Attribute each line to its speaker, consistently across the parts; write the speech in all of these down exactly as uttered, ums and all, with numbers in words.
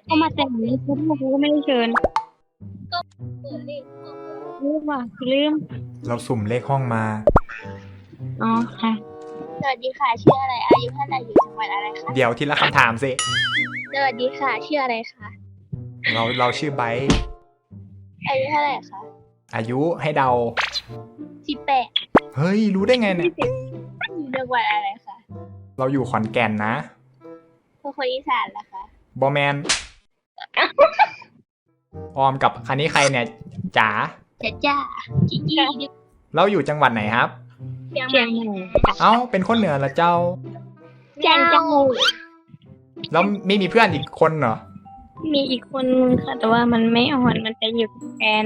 Speaker 1: เขามาแต่งนี้เขาเขาก็ไม่ได้เชิญ
Speaker 2: เปิดเลขห้อง
Speaker 1: ลืมว่ะลืม
Speaker 3: เราสุ่มเลขห้องมา
Speaker 1: อ๋อค่ะ
Speaker 2: สวัสดีค่ะชื่ออะไรอายุเท่าไหร่อยู่จังหวัดอะไรคะ
Speaker 3: เดี๋ยวทีละคำถามสิ
Speaker 2: สวัสดีค่ะชื่ออะไรคะ
Speaker 3: เราเราชื่อไบร์ท
Speaker 2: อายุเท่าไหร่คะ
Speaker 3: อายุให้เดา
Speaker 2: สิบแปด
Speaker 3: เฮ้ย รู้ได้ไงเนี่ย
Speaker 2: อยู่จังหวัดอะไรคะ
Speaker 3: เราอยู่ขอนแก่นนะ
Speaker 2: เป็นคนอีสานเหรอคะ
Speaker 3: บอแมน ออมกับคันนี้ใครเนี่ยจ๋า
Speaker 2: จ้าจ้าจีจี้
Speaker 3: เราอยู่จังหวัดไหนครับ
Speaker 2: เชียงให
Speaker 1: เชีย
Speaker 2: ม่
Speaker 1: งใหม่
Speaker 3: เอ้า เป็นคนเหนือละเจ้า
Speaker 1: แจ้งเจ้า
Speaker 3: แล้วไม่มีเพื่อนอีกคนเหรอ
Speaker 1: มีอีกคนนึงค่ะ แต่ว่ามันไม่อ่อนมันจะอยู่กับแฟน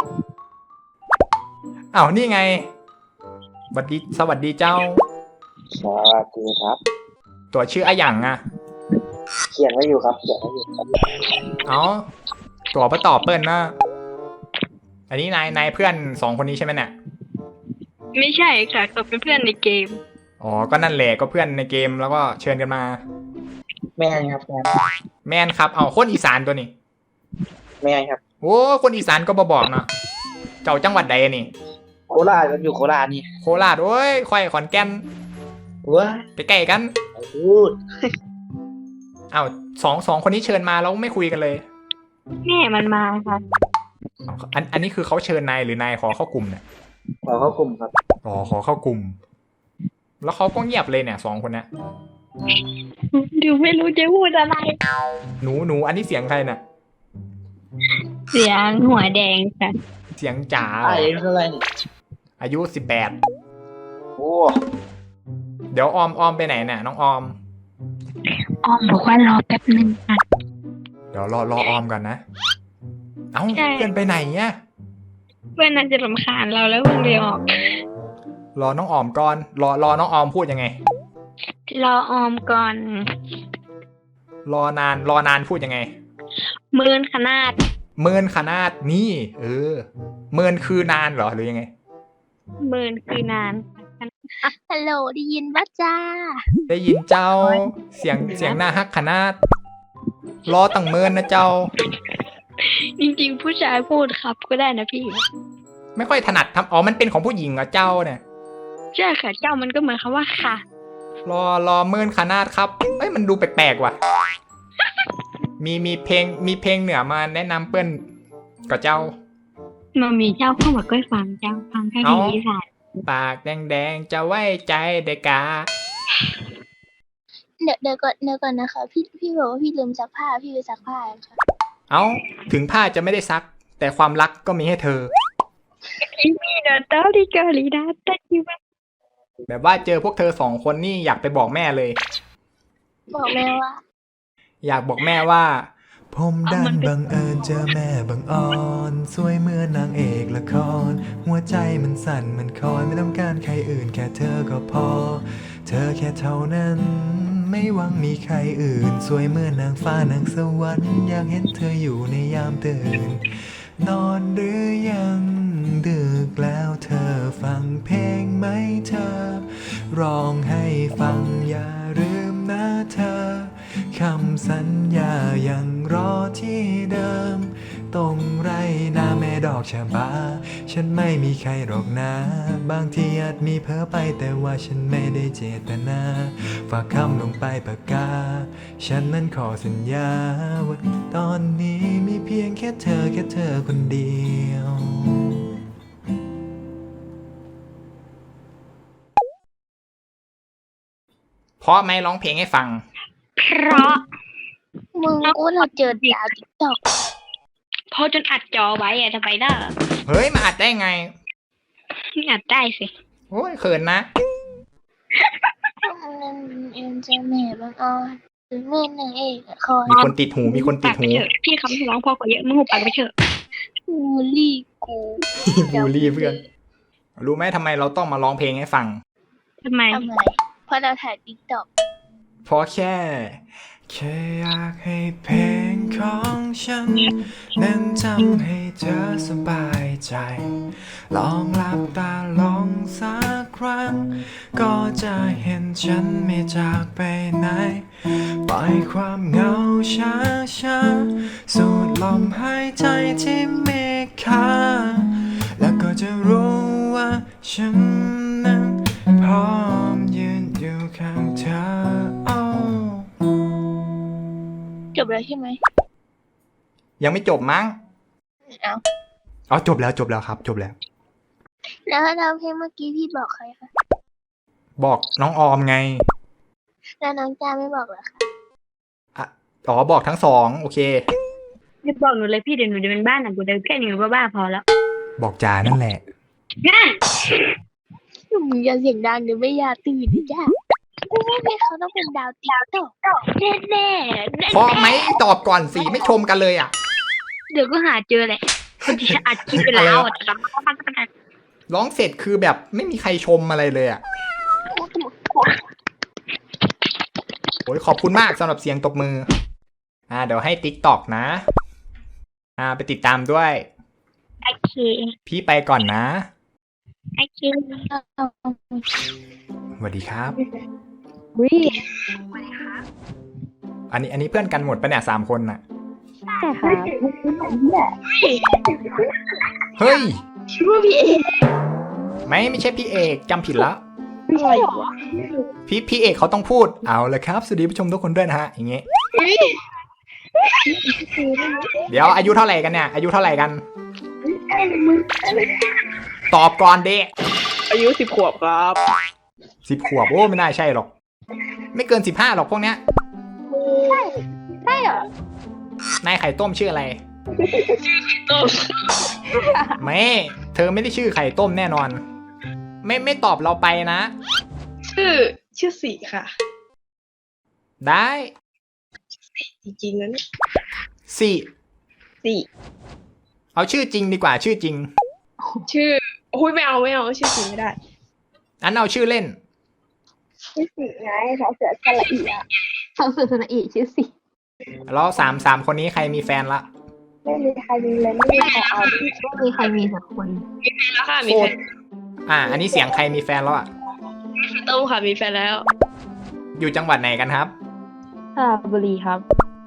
Speaker 3: อ้าวนี่ไงสวัสดีสวัสดีเจ้า
Speaker 4: สวัสดีครับ
Speaker 3: ตัวชื่ออะหยังอะ
Speaker 4: เขียนไว้อยู่ครับเขียนไว้อยู่ครับ
Speaker 3: เอ้าตัวประตอบเปิ้ลนะอันนี้นายนายเพื่อนสองคนนี้ใช่ไหมเนี่ย
Speaker 1: ไม่ใช่ค่ะเขาเป็นเพื่อนในเกม
Speaker 3: อ๋อก็นั่นแหละก็เพื่อนในเกมแล้วก็เชิญกันมา
Speaker 4: แม่ครับแม่
Speaker 3: แมนครับเอาคนอีสานตัวนี้
Speaker 4: แม่ครับ
Speaker 3: โอ้คนอีสานก็บบอกเนาะเจ้าจังหวัดใดนี่
Speaker 4: โคราชครับอยู่โคราชนี่
Speaker 3: โคราชโอ้ยค่อยขอนแก่น
Speaker 4: ว้า
Speaker 3: ใกล้ๆกัน
Speaker 4: พูด
Speaker 3: เอาสองสองคนนี้เชิญมาแล้วไม่คุยกันเลย
Speaker 1: แม่มันมาค่ะ
Speaker 3: เอาอันอันนี้คือเขาเชิญนายหรือนายขอเข้ากลุ่มเนี่ย
Speaker 4: ขอเข้ากลุ่มครับ
Speaker 3: อ๋อขอเข้ากลุ่ม แล้วเขาก็เงียบเลยเนี่ยสองคนเนี้ย
Speaker 1: ดูไม่รู้จะพูดอะไร
Speaker 3: หนูหนูอันนี้เสียงใครน่ะ
Speaker 1: เสียงหัวแดงค่ะ
Speaker 3: เสียงจ๋าเหร
Speaker 4: อา
Speaker 3: อ
Speaker 4: ยุเท่าไหร่นี่
Speaker 3: อายุสิบแปด
Speaker 4: โอ้
Speaker 3: เดี๋ยวออมออมไปไหนเนี่ยน้องออม
Speaker 1: ออมบอกว่ารอแป๊บนึงค่ะ
Speaker 3: เดี๋ยวรอรอออมก่อนนะ เอ้า
Speaker 1: ใช่
Speaker 3: เพื่อนไปไหนเนี่ย
Speaker 1: เพื่อนน่าจะรำคาญเราแล้วมันเลยออก
Speaker 3: รอน้องออมก่อน รอรอน้องออมพูดยังไง
Speaker 1: รอออมก่อน
Speaker 3: รอนานรอนานพูดยังไง
Speaker 1: หมื่นขนาด
Speaker 3: เมินขนาดนี่ เออ เมินคือนานเหรอหรือยังไง
Speaker 1: หมื่นคือนาน
Speaker 2: ฮัลโหลได้ยินปะจ้า
Speaker 3: ได้ยินเจ้า เสียงเสียงหน้าฮักขนาด รอตั้งเมินนะเจ้า
Speaker 1: จริงๆผู้ชายพูดครับก็ได้นะพี่
Speaker 3: ไม่ค่อยถนัดทำอ๋อมันเป็นของผู้หญิงเหรอเจ้าเนี่ย
Speaker 1: ใช่ค่ะเจ้ามันก็เหมือนคำว่าค่ะ
Speaker 3: รอรอเมินขนาดครับเอ้ยมันดูแปลกๆว่ะ มีมีเพลงมีเพลงเหนือมาแนะนำเปิ้นกับเจ้า
Speaker 1: มันมีเจ้าเข้ามาก็ฟังเจ้าฟังแค่
Speaker 3: เอ้า
Speaker 1: นี้ค่ะ
Speaker 3: ปากแดงๆจะไว้ใจเด็กกา
Speaker 2: เดี๋ยวเดี๋ยวก่อนเดี๋ยวก่อนนะคะพี่พี่บอกว่าพี่ลืมซักผ้าพี่ไปซักผ้าค่ะ
Speaker 3: เอ้าถึงผ้าจะไม่ได้ซัก แต่ความรักก็มีให้เธอ
Speaker 1: มีเดตาดิกาลีดาตะคิวะ
Speaker 3: แบบว่าเจอพวกเธอสองคนนี่อยากไปบอกแม่เลย
Speaker 2: บอกแม่ว่า
Speaker 3: อยากบอกแม่ว่า
Speaker 5: ผมดันบังเอิญเจอแม่บังอ่อน สวยเหมือนนางเอกละคร หัวใจมันสั่นมันคอยไม่ต้องการใครอื่นแค่เธอก็พอ เธอแค่เท่านั้น ไม่หวังมีใครอื่น สวยเหมือนนางฟ้านางสวรรค์อยากเห็นเธออยู่ในยามตื่น นอนหรือยังดึกแล้วเธอฟังเพลงไหมเธอ ร้องให้ฟังอย่าลืมนะเธอ คำสัญญายังรอที่เดิม ตรงไรนาแม่ดอกชะบา ฉันไม่มีใครหรอกนะ บางทีอาจมีเพ้อไปแต่ว่าฉันไม่ได้เจตนา ฝากคำลงไปปากกา ฉันนั้นขอสัญญาว่าตอนนี้มีเพียงแค่เธอแค่เธอคนเดียว
Speaker 3: เพราะไหมร้องเพลงให้ฟัง
Speaker 1: เพราะ
Speaker 2: มึงกูเราเจอดาวติ๊กต็อก
Speaker 1: เพราะจนอัดจอไว้อะทำไมได้
Speaker 3: เฮ้ยมาอัดได้ไง
Speaker 1: อัดได้สิ
Speaker 3: โอ้ยเขินนะ
Speaker 2: นั่นเอ็นจะแม่บางอ่อนหรือแม่นางเอกละคร
Speaker 3: มีคนติดหูมีคนติดหู
Speaker 1: ปากไปเถอะพี่คำที่ร้องพอกว่าเยอะมึงหุบปากไปเถอะ
Speaker 2: บูลลี่กู
Speaker 3: บูลลี่เพื่อน รู้ไหมทำไมเราต้องมาร้องเพลงให้ฟัง
Speaker 1: ทำไม
Speaker 2: ทำไมเพราะเราถ่ายติ๊กต็อก
Speaker 3: เพราะแค่
Speaker 5: แค่อยากให้เพลงของฉันนั้นทำให้เธอสบายใจ ลองหลับตาลองสักครั้ง ก็จะเห็นฉันไม่จากไปไหน ปล่อยความเหงาช้าช้าๆสูดลมหายใจที่มีค่า แล้วก็จะรู้ว่าฉันนั้นพร้อมยืนอยู่ข้างเธอ
Speaker 2: จบแล้วใช่ไหม
Speaker 3: ยังไม่จบมั้ง
Speaker 2: เอา
Speaker 3: อ๋อจบแล้วจบแล้วครับ จบแล้ว
Speaker 2: แล้วแล้วเพลงเมื่อกี้พี่บอกใครคะ
Speaker 3: บอกน้องออมไง
Speaker 2: แล้วน้องจ้าไม่บอกเหรอคะ
Speaker 3: อ่ะอ๋อบอกทั้งสองโอเค
Speaker 1: ไม่บอกหนูเลยพี่เดี๋ยวหนูจะเป็นบ้านหนังกูเดินแค่นี้หนูบ้าๆพอแล้ว
Speaker 3: บอกจานั่นแหละ
Speaker 1: งั้น
Speaker 2: มึงอย่าเสียงดังเดี๋ยวไม่อยากตื่นนะจ้าไม่ใช่เพลงเขาต้องเป็นดาวติ๊กต็อกแน่แน่แน่
Speaker 3: พอไหมตอบก่อนสิไม่ชมกันเลยอ่ะ
Speaker 1: เดี๋ยวก็หาเจอแหละคนที่จะอัดคลิปไปแล้วอ่ะ
Speaker 3: ร้องเสร็จคือแบบไม่มีใครชมอะไรเลยอ่ะโอ้ยขอบคุณมากสำหรับเสียงตบมือ อ่าเดี๋ยวให้ TikTok นะ อ่าไปติดตามด้วย
Speaker 1: โอเค
Speaker 3: พี่ไปก่อนนะ
Speaker 1: โอเค
Speaker 3: สวัสดีครับ
Speaker 1: วิ
Speaker 3: อันนี้อันนี้เพื่อนกันหมดปะเนี่ยสามคนน่ะ
Speaker 1: ใช่ค่ะ
Speaker 3: เฮ้ย
Speaker 2: ชื่อว่าพี่เอ
Speaker 3: ไม่ไม่ใช่พี่เอกจำผิดแล้ว
Speaker 2: อะไรวะ
Speaker 3: พี่พี่เอกเขาต้องพูดเอาเลยครับสวัสดีผู้ชมทุกคนด้วยนะฮะอย่างเงี้ยเดี๋ยวอายุเท่าไหร่กันเนี่ยอายุเท่าไหร่กัน ตอบก่อนเด็ก
Speaker 6: อายุสิบขวบครับ
Speaker 3: สิบขวบโอ้ไม่น่าใช่หรอก ไม่เกินสิบห้าหรอกพวกเนี้ย
Speaker 2: ใช่เหรอน
Speaker 3: ายไข่ต้มชื่ออะไร
Speaker 6: ต้ม
Speaker 3: ไม่เธอไม่ได้ชื่อไข่ต้มแน่นอน ไม่ไม่ตอบเราไปนะ
Speaker 6: ชื่อชื่อสีค่ะ
Speaker 3: ได้
Speaker 6: จริงๆนะเนี่ย
Speaker 3: สี่
Speaker 6: สี
Speaker 3: เอาชื่อจริงดีกว่าชื่อจริง
Speaker 6: ชื่อโอ้ยไม่เอาไม่เอาชื่อจริงไม่ได้
Speaker 3: อันเอาชื่อเล่น
Speaker 2: ชื่อสีไงเขาเสือสละอีอะเขาเสือสละอีชื่อสี
Speaker 3: แล้วสามสามคนนี้ใครมีแฟนละ
Speaker 2: ไม่มีใครมีเลยไม่มีใครเอาไม่มีใครมีสักคน
Speaker 6: แล้วค่ะมี
Speaker 3: โค
Speaker 6: แฟ
Speaker 3: ตร
Speaker 6: น
Speaker 3: อ่า อันนี้เสียงใครมีแฟนแล้วอ่ะ
Speaker 6: ต้มค่ะมีแฟนแล้ว
Speaker 3: อยู่จังหวัดไหนกันครับ
Speaker 1: สระบุรีครับ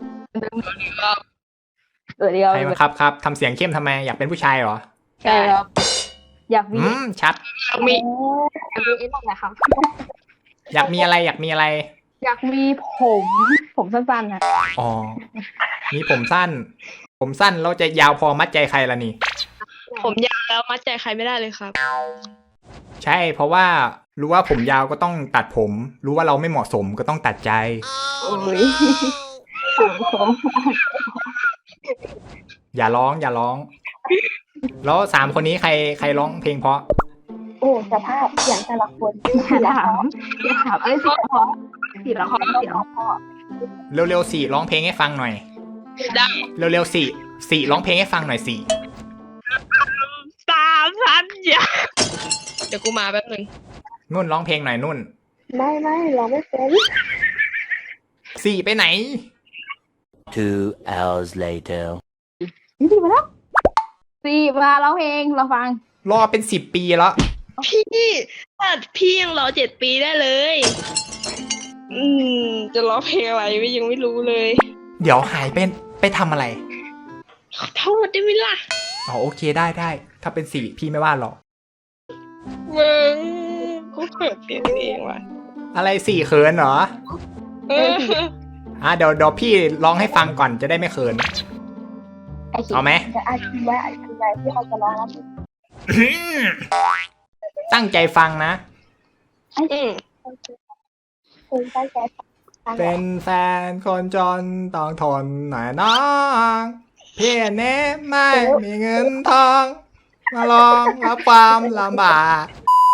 Speaker 2: เออเดียว
Speaker 3: ใครมาครับครับทำเสียงเข้มทำไมอยากเป็นผู้ชายเหรอ
Speaker 2: ใช่ครับอยากมี
Speaker 3: อืมชัด
Speaker 6: มี
Speaker 2: อยากมีเอ็นอะไรครับ
Speaker 3: อยากมีอะไรอยากมีอะไร
Speaker 2: อยากมีผม ผมสั้นๆนะ
Speaker 3: อ๋อ มีผมสั้น ผมสั้นเราจะยาวพอมัดใจใครล่ะนี่
Speaker 6: ผมยาวแล้วมัดใจใครไม่ได้เลยครับ
Speaker 3: ใช่เพราะว่ารู้ว่าผมยาวก็ต้องตัดผม รู้ว่าเราไม่เหมาะสมก็ต้องตัดใจ
Speaker 2: โอ้ยผมผม
Speaker 3: อย่าร้องอย่าร้อง แล้วสามคนนี้ใครใครร้องเพลงเพราะ
Speaker 2: โอ้สภาพอย่างแต่ละคนอย่าถามอย่าถามเอ้ยสีละครสีละครสีละคร
Speaker 3: เร็วๆสี่ร้องเพลงให้ฟังหน่อย
Speaker 6: ได้
Speaker 3: เร็วๆสี่สี่ร้องเพลงให้ฟังหน่อยสี่
Speaker 6: สามพันอย่าเดี๋ยวกูมาแป๊บหนึง
Speaker 3: นุ่นร้องเพลงหน่อยนุ่น
Speaker 2: ไม่ไม่เราไม่เป็น
Speaker 3: สี่ไปไหน
Speaker 7: Two hours later.
Speaker 2: สีมาแล้วสีมาร้องเพลงเราฟัง
Speaker 3: รอเป็นสิบปีแล้ว
Speaker 6: พี่ถ้าพี่ยังรอเจ็ดปีได้เลย อืมจะร้องเพลงอะไรไม่ยังไม่รู้เลย
Speaker 3: เดี๋ยวหายไปไปทำอะไร
Speaker 6: ขอโทษได้ไหมล่ะ
Speaker 3: อ๋อโอเคได้ได้ ถ้าเป็นสี่พี่ไม่ว่าหรอก
Speaker 6: มึงกูเขินเสียงเองว่ะ
Speaker 3: อะไรสี่เขินเหรอ
Speaker 6: เออ
Speaker 3: อ่ะเดี๋ยวเดี๋ยวพี่ร้องให้ฟังก่อนจะได้ไม่เขิน เอาไหม
Speaker 2: จะอาชีพไว้อาชีพไว้ที่เขาจะร้องแล้ว
Speaker 3: ตั้งใจฟังนะ
Speaker 6: อืม
Speaker 2: คุณตั้งใจฟัง
Speaker 3: เป็นแฟนคนจนต้องทนหน่อยน้องพี่เน้ไม่มีเงินทอง มาลองรับความลำบาก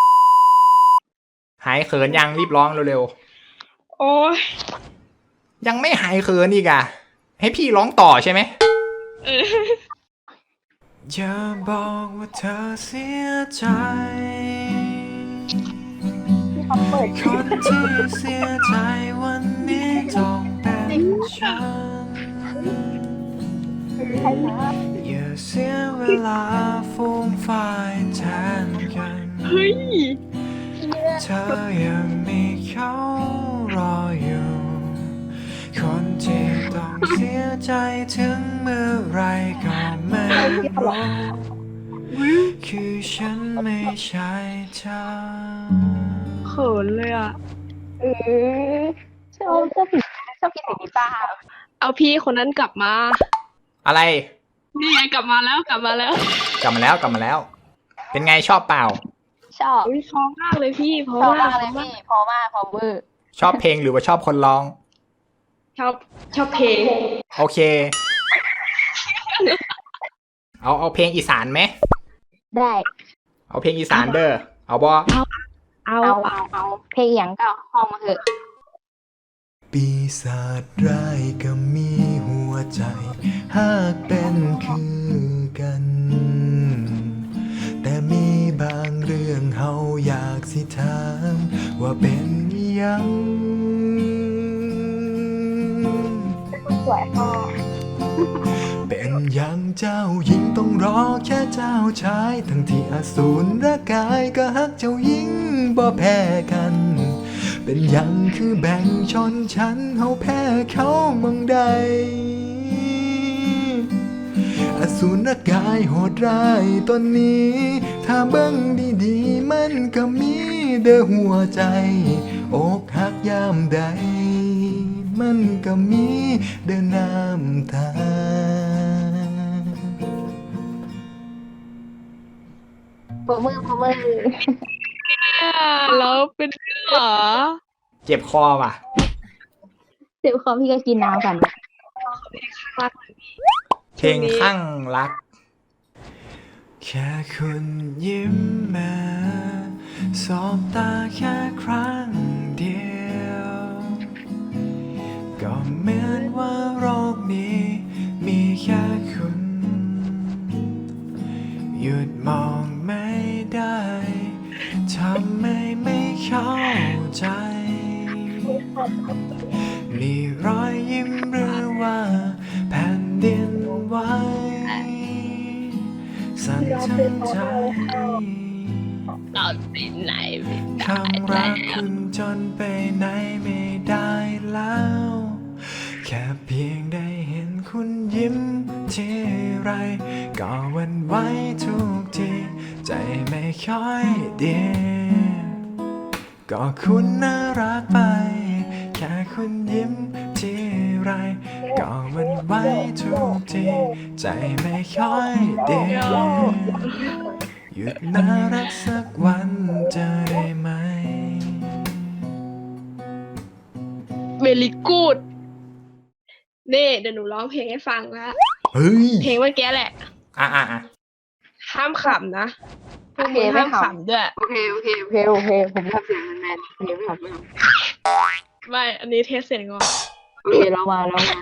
Speaker 3: หายเขินยังรีบร้องเร็ว
Speaker 6: โอ้ย
Speaker 3: ๆ ยังไม่หายเขินอีกอะให้พี่ร้องต่อใช่ไหม
Speaker 6: เออ
Speaker 5: อย่าบอกว่าเธอเสียใจ
Speaker 2: ที่เขาเปิด
Speaker 5: คนที่เสียใจวันนี้ต้องเป็นฉันอย่าเสียเวลาฟูมฝ่ายแทนกัน
Speaker 6: เฮ้ย
Speaker 5: เธอยังมีเขารออยู่ คนที่ต้องเสียใจถึงเมื่อไรก็ไม่รู้คือฉันไม่ใช่เธอ
Speaker 6: เขินเลยอ่ะ
Speaker 2: เออชอบชอบผิดชอบกินเสียงกีตาร์
Speaker 6: เอาพี่คนนั้นกลับมา
Speaker 3: อะไร
Speaker 6: นี่ไงกลับมาแล้วกลับมาแล้ว
Speaker 3: กลับมาแล้วกลับมาแล้ว เป็นไงชอบเปล่า
Speaker 2: ชอบ
Speaker 6: อุ้ยพอมากเลยพี่เพราะ
Speaker 2: ชอบ
Speaker 6: ว่าม
Speaker 2: ากเลยพี่พอมากพอเวอร์
Speaker 3: ชอบเพลงหรือว่าชอบคนร้อง
Speaker 6: ชอบชอบเพลง
Speaker 3: โอเค เอาเอาเพลงอีสานไหม
Speaker 2: ได้
Speaker 3: เอาเพลงอีสานเด้อ เอาบอ
Speaker 6: เอา
Speaker 2: เอาเอาเอาเพลงอย่างก็ห้องมาเถอะ
Speaker 5: ปีศาจร้ายก็มีหัวใจ หากเป็นคือกัน แต่มีบางเรื่องเฮาอยากสิถามว่าเป็นหยัง
Speaker 2: สวยพ่อ
Speaker 5: เป็นอย่างเจ้าหญิงต้องรอแค่เจ้าชาย ทั้งที่อสูรร่างกายก็ฮักเจ้าหญิงบ่แพ้กัน เป็นหยังคือแบ่งชนชั้นเฮาแพ้เขามองใด อสูรกายโหดร้ายตนนี้ ถ้าเบิ่งดีๆมันก็มีเด้อหัวใจ อกหักยามใด มันก็มีเด้อน้ำตา
Speaker 2: พอเวอร์พอเวอร์
Speaker 6: แล้วเป็นเหรอ
Speaker 3: เจ็บคอว่ะ
Speaker 2: เจ็บคอพี่ก็กินน้ำก่อนนะ
Speaker 3: เพลงข้างรัก
Speaker 5: แค่คุณยิ้มมาสบตาแค่ครั้งเดียว ก็เหมือนว่าโรคนี้มีแค่คุณ หยุดมองไม่ได้ทำไมไม่เข้าใจ มีรอยยิ้มหรือว่าแผ่นดินไหวสั่นทั้งใจ
Speaker 6: เราไปไหนไม่
Speaker 5: คำรักคุณจนไปไหนไม่ได้แล้ว แค่เพียงได้เห็นคุณยิ้มทีไรก็หวันไหวทุกทีใจไม่ค่อยดีก็คุณน่ารักไป แค่คุณยิ้มทีไรก็หวันไหวทุกทีใจไม่ค่อยดีหยุดน่ารักสักวันจะได้ไหม
Speaker 6: เวลิกูดนี่เดี๋ยวหนูร้องเพลงให้ฟังนะ
Speaker 3: เฮ้ย
Speaker 6: เพลงเมื่อกี้แหละ
Speaker 3: อ่ะอ่ะอ่ะ
Speaker 6: ห้ามขำนะ
Speaker 2: โอเคไม่
Speaker 6: ห้าม
Speaker 2: ขำ
Speaker 6: ขำด้วย
Speaker 2: โอเคโอเคโอเคโอเคผมทำเสียงแมนๆโอเคไม่ขำไม่ข
Speaker 6: ไม่ อันนี้เทสเสียงก่อน
Speaker 2: ำโอเคเรามาเรามา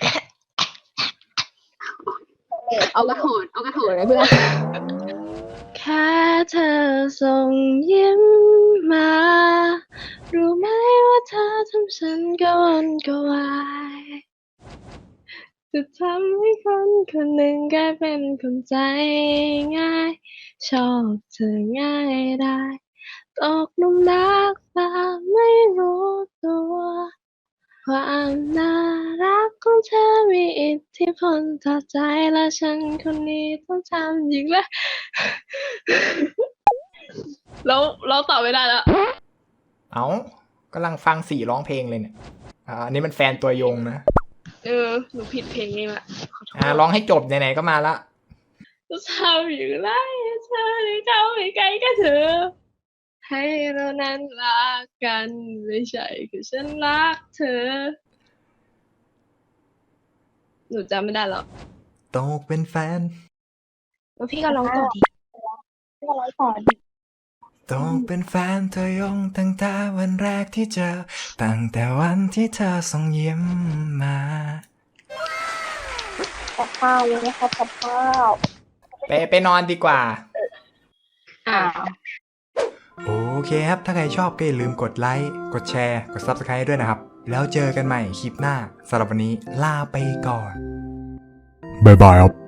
Speaker 2: เอากระโถนเอากระโถนเลยเพื่อน
Speaker 6: แค่เธอส่งยิ้มมา รู้ไหมว่าเธอทำฉันกระวนกระวายจะทำให้คนคนหนึ่งกลายเป็นคนใจง่าย ชอบเธอง่ายได้ตกหลุมรักแต่ไม่รู้ตัว ความน่ารักของเธอมีอิทธิพลต่อใจและฉันคนนี้ต้องทำอีกแล้ว แล้วเราตอบไม่ได้แล้ว
Speaker 3: เอากำลังฟังสี่ร้องเพลงเลยเนี่ย อ่าอันนี้มันแฟนตัวยงนะ
Speaker 6: เออ หนูผิดเพลงเองละขอโทษ
Speaker 3: อ่าร้องให้จบไหนๆก็มาละ
Speaker 6: จะทำอยู่ไรให้เธอได้เข้าไปใกล้กับเธอ ให้เรานั้นรักกันไม่ใช่คือฉันรักเธอ หนูจำไม่ได้หรอก
Speaker 5: ตกเป็นแฟน
Speaker 6: แล้วพี่ก็ร้องต่อดี
Speaker 2: ก็ร้อยก่อน
Speaker 5: ตกเป็นแฟนเธอยงตั้งแต่วันแรกที่เจอ ตั้งแต่วันที่เธอส่งยิ้มมา
Speaker 2: กับข้าวเลยนะครับกับข้าว
Speaker 3: ไปไปนอนดีกว่า
Speaker 6: อ่า
Speaker 3: โอเคครับ ถ้าใครชอบก็อย่าลืมกดไลค์ กดแชร์ กด Subscribe ด้วยนะครับ แล้วเจอกันใหม่คลิปหน้าสำหรับวันนี้ลาไปก่อน บ๊ายบายครับ